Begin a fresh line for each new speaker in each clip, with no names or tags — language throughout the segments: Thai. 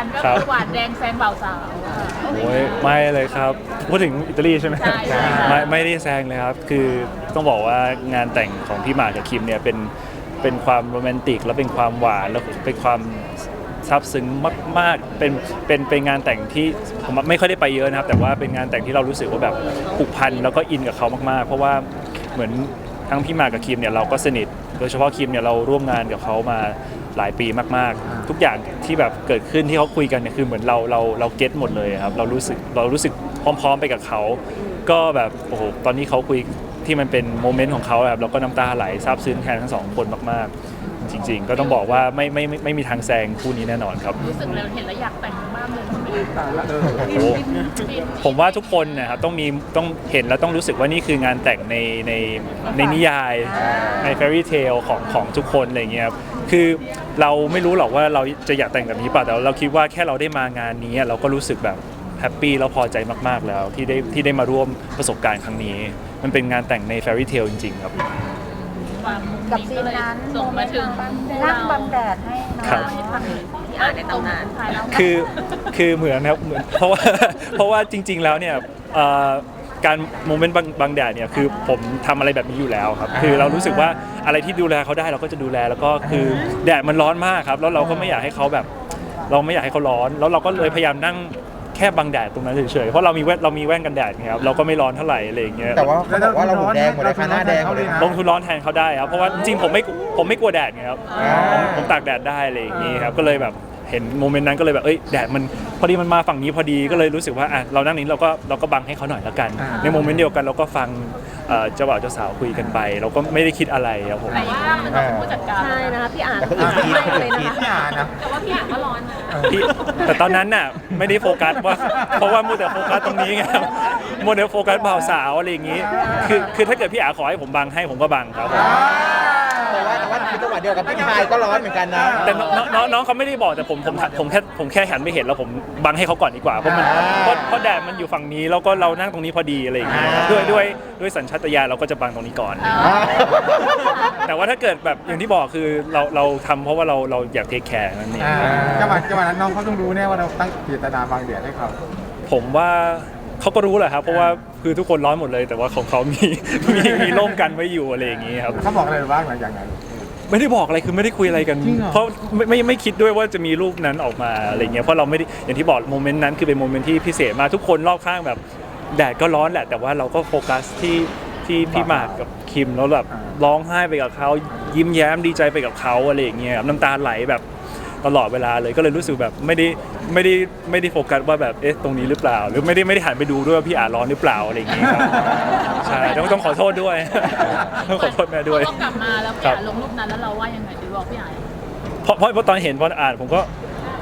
กันก็คือหวานแดงแซงเบาสาว
โอ้ยไม่เลยครับพูดถึงอิตาลีใช่ไหม
ใช่
ไม่ได้แซงเลยครับคือต้องบอกว่างานแต่งของพี่หมากกับคิมเนี่ยเป็นความโรแมนติกแล้วเป็นความหวานแล้วเป็นความซาบซึ้งมากๆเป็นงานแต่งที่ผมไม่ค่อยได้ไปเยอะนะครับแต่ว่าเป็นงานแต่งที่เรารู้สึกว่าแบบผูกพันแล้วก็อินกับเขามากๆเพราะว่าเหมือนทั้งพี่หมากกับคิมเนี่ยเราก็สนิทโดยเฉพาะคิมเนี่ยเราร่วมงานกับเขามาหลายปีมากๆทุกอย่างที่แบบเกิดขึ้นที่เขาคุยกันเนี่ยคือเหมือนเราเก็ตหมดเลยครับเรารู้สึกพร้อมๆไปกับเขาก็แบบโอ้โหตอนนี้เขาคุยที่มันเป็นโมเมนต์ของเขาแบบเราก็น้ำตาไหลซาบซึ้งแทนทั้งสองคนมากๆจริงๆก็ต้องบอกว่าไม่มีทางแซงคู่นี้แน่นอนครับ
รู้สึกแล้วเห็นแล้วอยากแต่งมากเลย
โอ้ผมว่าทุกคนนะครับต้องเห็นแล้วต้องรู้สึกว่านี่คืองานแต่งในนิยายในแฟรี่เทลของทุกคนอะไรเงี้ยครับคือเราไม่รู้หรอกว่าเราจะอยากแต่งแบบนี้ป่ะแต่เราคิดว่าแค่เราได้มางานนี้เราก็รู้สึกแบบแฮปปี้แล้วพอใจมากๆแล้วที่ได้มาร่วมประสบการณ์ครั้งนี้มันเป็นงานแต่งในแฟรี่เทลจริงๆครับ
กับซีนนั้น
ส่งมาถึง
นั่งบังแดดให้น้องให้ฟังที่อ่านในตำนาน
คือเหมือนครับเหมือนเพราะว่าจริงๆแล้วเนี่ยการโมเมนต์บางแดดเนี่ยคือผมทำอะไรแบบนี้อยู่แล้วครับคือเรารู้สึกว่าอะไรที่ดูแลเขาได้เราก็จะดูแลแล้วก็คือแดดมันร้อนมากครับแล้วเราก็ไม่อยากให้เขาแบบเราไม่อยากให้เขาร้อนแล้วเราก็เลยพยายามนั่งแค่บังแดดตรงนั้นเฉยๆเพราะเรามีแว่นกันแดดครับเราก็ไม่ร้อนเท่าไหร่อะไรอย่างเงี้ย
แต่ว่าเขาบอกว่าเราหูแดงหมดเลยค่ะหน้าแดงหมดเลยนะ
ลงทุนร้อนแทนเขาได้ครับเพราะว่าจริงๆผมไม่กลัวแดดไงครับผมตากแดดได้อะไรอย่างงี้ครับก็เลยแบบเห็นโมเมนต์นั้นก็เลยแบบแดดมันพอดีมันมาฝั่งนี้พอดีก็เลยรู้สึกว่าเรานั่งนี้เราก็บังให้เขาหน่อยละกันในโมเมนต์เดียวกันเราก็ฟังเจ้าบ่าวเจ้าสาวคุยกันไปเราก็ไม่ได้คิดอะไรครับผม
แต่ว่ามันต้องเป็นผู้จัดการ
ใช่นะคะพี่อ่าน
แต่คนอื่นคิด
เลยนะ
คิด
คะ
นะ
แต่ว่าพี่อ่านก็ร้อนนะ
แต่ตอนนั้นน่ะไม่ได้โฟกัสว่าเพราะว่ามัวแต่โฟกัสตรงนี้ไงมัวแต่โฟกัสบ่าวสาวอะไรอย่างงี้คือถ้าเกิดพี่อาขอให้ผมบังให้ผมก็บังครับ
แต่ว่าคือจังหวะเดียวกับพี่ชายก็ร้อนเหมือนกันนะ
แต่น้องเขาไม่ได้บอกแต่ผมแค่หันไปเห็นแล้วผมบังให้เขาก่อนดีกว่าเพราะแดดมันอยู่ฝั่งนี้แล้วก็เรานั่งตรงนี้พอดีอะไรอย่างเงี้ยด้วยสัญชาตญาณเราก็จะบังตรงนี้ก่อนแต่ว่าถ้าเกิดแบบอย่างที่บอกคือเราทำเพราะว่าเราอยากเทคแคร์นั่นเอง
จังหวะนั้นน้องเขาต้องรู้แน่ว่าเราตั้งเจตนาบางเดียดให้เขา
ผมว่าเขาก็รู้แหละครับเพราะว่าคือทุกคนร้อนหมดเลยแต่ว่าของเขามีร่มกันไว้อยู่อะไรอย่างงี้ครับ
เขาบอกอะไรบ้างหลังจากนั้น
ไม่ได้บอกอะไรคือไม่ได้คุยอะไรกันเพราะไม่คิดด้วยว่าจะมีรูปนั้นออกมาอะไรเงี้ยเพราะเราไม่ได้อย่างที่บอกโมเมนต์นั้นคือเป็นโมเมนต์ที่พิเศษมากทุกคนรอบข้างแบบแดดก็ร้อนแหละแต่ว่าเราก็โฟกัสที่พี่หมากกับคิมแล้วแบบร้องไห้ไปกับเขายิ้มแย้มดีใจไปกับเขาอะไรอย่างเงี้ยน้ำตาไหลแบบตลอดเวลาเลยก็เลยรู้สึกแบบไม่ได้โฟกัสว่าแบบตรงนี้หรือเปล่าหรือไม่ได้หันไปดูด้วยว่าพี่อาร้อนหรือเปล่าอะไรอย่างเงี้ยครับใช่ต้องขอโทษด้วยต้องขอโทษแม่ด้วย
พอกลับมาแล้วพี่อ่านลงรูปนั้นแล้วเราว่ายังไงดีบอกพี่อ่าน
เพราะตอนเห็นพออ่านผมก็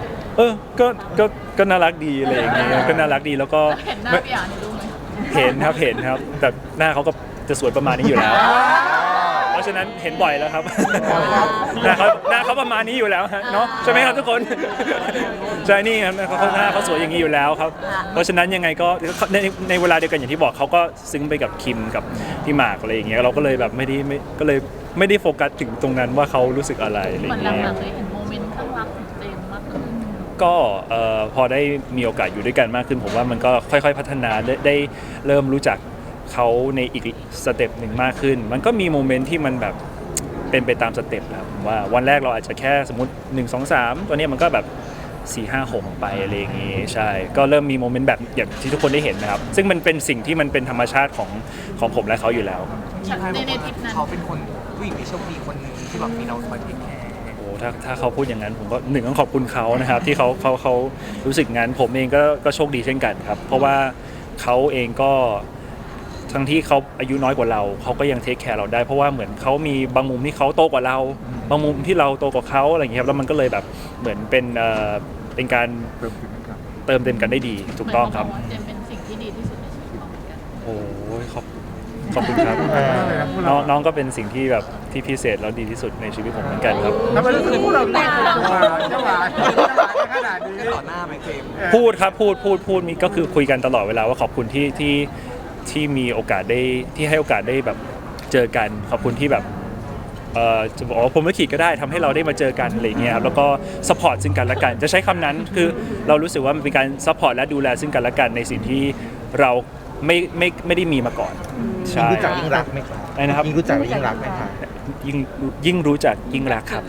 ก็น่ารักดีอะไรอย่างเงี้ยก็น่ารักดีแล้วก็
เห็นหน้าพี่อ่านในรูปไหม
เห็นครับแต่หน้าเขาก็จะสวยประมาณนี้อยู่แล้วเพราะฉะนั้นเห็นบ่อยแล้วครับหน้าเขาประมาณนี้อยู่แล้วฮะเนาะใช่ไหมครับทุกคนใช่นี่ครับหน้าเขาสวยอย่างนี้อยู่แล้วครับเพราะฉะนั้นยังไงก็ในเวลาเดียวกันอย่างที่บอกเขาก็ซึ้งไปกับคิมกับพี่หมากอะไรอย่างเงี้ยเราก็เลยแบบไม่ได้โฟกัสถึงตรงนั้นว่าเขารู้สึกอะไรอะไรอย่างเงี้ย
เหมือนหลังๆเลยเห็นโมเมนต์ข้างรักของเจมมากขึ้น
ก็พอได้มีโอกาสอยู่ด้วยกันมากขึ้นผมว่ามันก็ค่อยๆพัฒนาได้เริ่มรู้จักเขาในอีกสเต็ปหนึ่งมากขึ้นมันก็มีโมเมนต์ที่มันแบบเป็นไปตามสเต็ปครับว่าวันแรกเราอาจจะแค่สมมติ1 2 3ตัวนี้มันก็แบบ4 5 6ไปอะไรอย่างงี้ใช่ก็เริ่มมีโมเมนต์แบบอย่างที่ทุกคนได้เห็นนะครับซึ่งมันเป็นสิ่งที่มันเป็นธรรมชาติของผมและเขาอยู่แล้ว
ในทริปนั้น
เขาเป็นคนผู้หญิงที่โชคดีคนหนึ่งที่แบบมีเราคอยเทคแคร์
โอ้ถ้าเขาพูดอย่างนั้นผมก็ต้องขอบคุณเขานะครับที่เขารู้สึกงั้นผมเองก็โชคดีเช่นกันครับเพราะว่าเขาเองก็ทั้งที่เขาอายุน้อยกว่าเราเขาก็ยังเทคแคร์เราได้เพราะว่าเหมือนเขามีบางมุมที่เขาโตกว่าเราบางมุมที่เราโตกว่าเขาอะไรอย่างเงี้ยครับแล้วมันก็เลยแบบเหมือนเป็นการเติมเต็มกันได้ดีถูกต้องครับ
เจมเป็นสิ่งที่ดีที่สุดในชีวิตเราเหมือนกัน
โอ้ยขอบคุณครับน้องก็เป็นสิ่งที่แบบที่พิเศษแล้วดีที่สุดในชีวิตผมเหมือนกันครับ
แล้วมันรู้สึกพวกเราแต่งตัวเจ้าหวานขนาดนี้
ต่อหน้าไหมเจม
พูดครับพูดมีก็คือคุยกันตลอดเวลาว่าขอบคุณที่มีโอกาสได้ที่ให้โอกาสได้แบบเจอกันขอบคุณที่แบบจะบอกว่าผมไม่ขีดก็ได้ทำให้เราได้มาเจอกันอะไรเงี้ยครับแล้วก็ซัพพอร์ตซึ่งกันและกันจะใช้คำนั้นคือเรารู้สึกว่ามันเป็นการซัพพอร์ตและดูแลซึ่งกันและกันในสิ่งที่เราไม่ได้มีมาก่อนใช่
รู้จักยิ่งรักไหมครับ
อะไรนะครับ
ยิ่งรู้จักยิ่งรักไหมครับ
ยิ่งรู้จักยิ่งรักครับ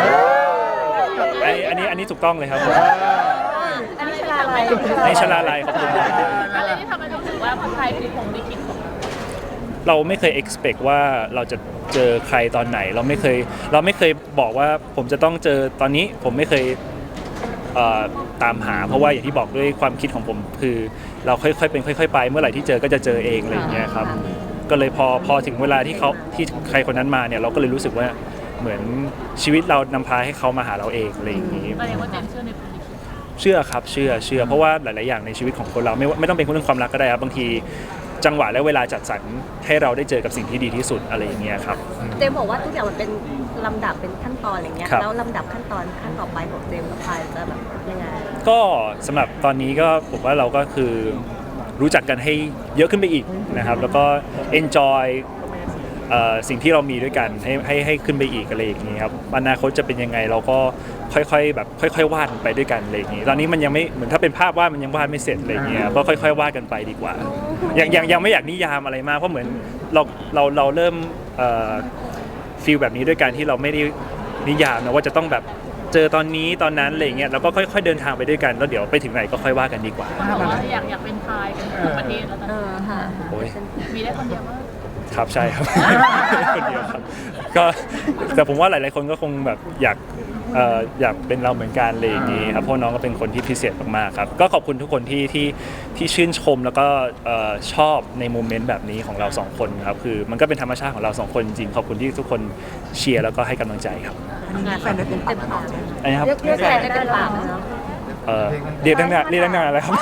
อันนี้ถูกต้องเลยครับผม
อันนี้ชลาลัย
ในชลาลัยขอบคุณครับ
อะไรที่ทำให้รู้สึกว่าผู้ชายคือผมลิขิตของเรา
เราไม่เคย expect ว่าเราจะเจอใครตอนไหนเราไม่เคยบอกว่าผมจะต้องเจอตอนนี้ผมไม่เคยตามหาเพราะว่าอย่างที่บอกด้วยความคิดของผมคือเราค่อยๆเป็นค่อยๆไปเมื่อไหร่ที่เจอก็จะเจอเองอะไรอย่างเงี้ยครับก็เลยพอถึงเวลาที่ใครคนนั้นมาเนี่ยเราก็เลยรู้สึกว่าเหมือนชีวิตเรานำพาให้เขามาหาเราเองอะไรอย่างงี้
แสดงว่าเจนเชื่อในผมลิขิต
เชื่อครับเชื่อเพราะว่าหลายๆอย่างในชีวิตของคนเราไม่ต้องเป็นเรื่องความรักก็ได้ครับบางทีจังหวะและเวลาจัดสรรให้เราได้เจอกับสิ่งที่ดีที่สุดอะไรอย่างเงี้ยครับ
เจมส์บอกว่าทุกอย่างมันเป็นลำดับเป็นขั้นตอนอะไรเงี้ย
ครับ
แล้วลำดับขั้นต่อไปของเจมส์กับพายจะแบบยังไง
ก็สำหรับตอนนี้ก็ผมว่าเราก็คือรู้จักกันให้เยอะขึ้นไปอีกนะครับแล้วก็ enjoy สิ่งที่เรามีด้วยกันให้ขึ้นไปอีกอะไรอย่างนี้ครับอนาคตจะเป็นยังไงเราก็ค่อยๆแบบค่อยๆวาดไปด้วยกันอะไรอย่างนี้ตอนนี้มันยังไม่เหมือนถ้าเป็นภาพวาดมันยังวาดไม่เสร็จอะไรอย่างเงี้ยก็ค่อยๆวาดกันไปดีกว่ายังไม่อยากนิยามอะไรมากเพราะเหมือนเราเริ่มฟีลแบบนี้ด้วยการที่เราไม่ได้นิยามนะว่าจะต้องแบบเจอตอนนี้ตอนนั้นอะไรอย่างเงี้ยเราก็ค่อยๆเดินทางไปด้วยกันแล้วเดี๋ยวไปถึงไหนก็ค่อยว่ากันดีกว่า
คนบอกว่าอยากเป็นพายกันทั้งประเทศแล้วตอนนี้
ค่ะ
โอ้ย
มีได้คนเดียวว่า
ครับใช่ครับ คนเดียวครับก็แต่ผมว่าหลายๆคนก็คงแบบอยากเป็นเราเหมือนกันเลยอย่างนี้ครับเพราะน้องก็เป็นคนที่พิเศษมากๆครับก็ขอบคุณทุกคนที่ชื่นชมแล้วก็ชอบในโมเมนต์แบบนี้ของเราสองคนครับคือมันก็เป็นธรรมชาติของเราสองคนจริงขอบคุณที่ทุกคนเชียร์แล้วก็ให้กำลังใจครับ
แฟนได้เป็นปาก
อันนี้ครับ
เรียกแฟนได้เป็นปากเนาะ
เรียกตั้งนานแล้วครับ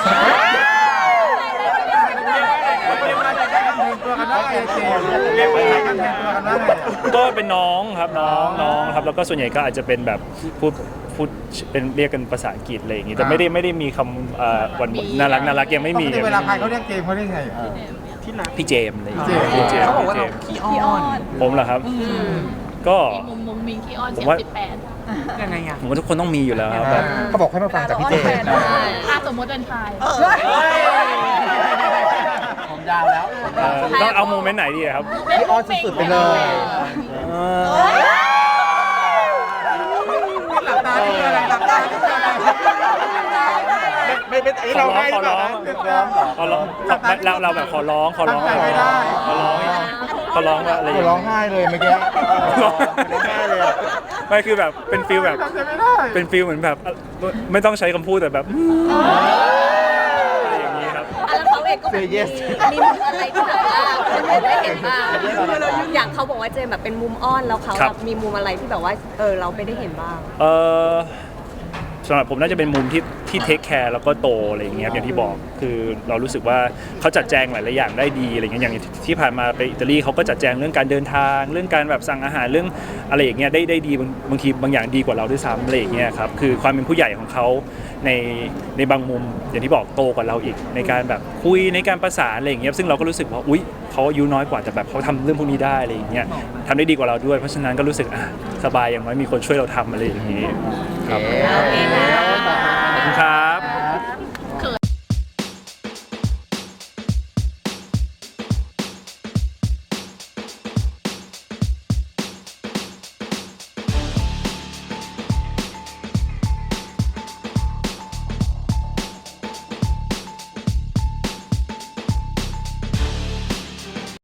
ตัวกันได้เจมเรียกว่ากันแทนตัวกันได้
ก็เป็นน้องครับน้องครับแล้วก็ส่วนใหญ่ก็อาจจะเป็นแบบพูดเป็นเรียกกันภาษาอังกฤษอะไรอย่างงี้แต่ไม่ได้มีคำวันน่ารักยังไม่มี
เวลาใครเขาเรียกเจมเขาเรียกไง
พี่เจมส์อะไรอย่าง
พี่
เงี้ย
เจมส์
เขาบอกว่าเราขี้อ้อน
ผมเหรอครับก็
มีมุมมิงขี้อ้อน
ผม
เสีย
ว่า
ง18
ยังไงอ่ะ
ผมว่าทุกคนต้องมีอยู่แล้วครับแบบ
เขาบอกให้มาฟังจากพี่เจมส์
ถ้าสมมติเป็นพาย
ผมยาวแล้ว
ต้องเอาโมเมนต์ไหนดีอะครับ
พี่ออนสุดๆไปเลย
หลับตาที่อะไรหลับตาที่อะไร
ไม่เป็นไอ้เราให้หรือเปล่านะ
ขอร้องเราแบบขอร้องว่าอะไรอย่าง
ร้
เงี้
อง
ย
ไห้เลยเมื่อกี้ร้องไห้เลยอะ
ไม่คือแบบเป็นฟีลแบบ
จำไม่ได้
เป็นฟีลเหมือนแบบไม่ต้องใช้คำพูดแต่แบบอะไรอย่างนี้ครับ
แล้วเขาเองก็แบบมีมุมอะไรที่แบบว่าคนอื่นไม่เห็นบ้างอย่างเขาบอกว่าเจมแบบเป็นมุมอ้อนแล้วเขาแบบมีมุมอะไรที่แบบว่าเราไม่ได้เห็นบ้าง
สำหรับผมน่าจะเป็นมุมที่เทคแคร์แล้วก็โตอะไรอย่างเงี้ยอย่างที่บอกคือเรารู้สึกว่าเขาจัดแจงหลายๆอย่างได้ดีอะไรเงี้ยอย่างที่ผ่านมาไปอิตาลีเขาก็จัดแจงเรื่องการเดินทางเรื่องการแบบสั่งอาหารเรื่องอะไรอย่างเงี้ยได้ดีบางทีบางอย่างดีกว่าเราด้วยซ้ำอะไรอย่างเงี้ยครับคือความเป็นผู้ใหญ่ของเขาในบางมุมอย่างที่บอกโตกว่าเราอีกในการแบบคุยในการประสานอะไรอย่างเงี้ยซึ่งเราก็รู้สึกว่าอุ๊ยเขาอายุน้อยกว่าแต่แบบเขาทำเรื่องพวกนี้ได้อะไรอย่างเงี้ยทำได้ดีกว่าเราด้วยเพราะฉะนั้นก็รู้สึกสบายอย่างน้อยมีคนช่วยเราทำอะไรอย่างงี้ครับ
โอเคค่ะ
ขอบคุณครับ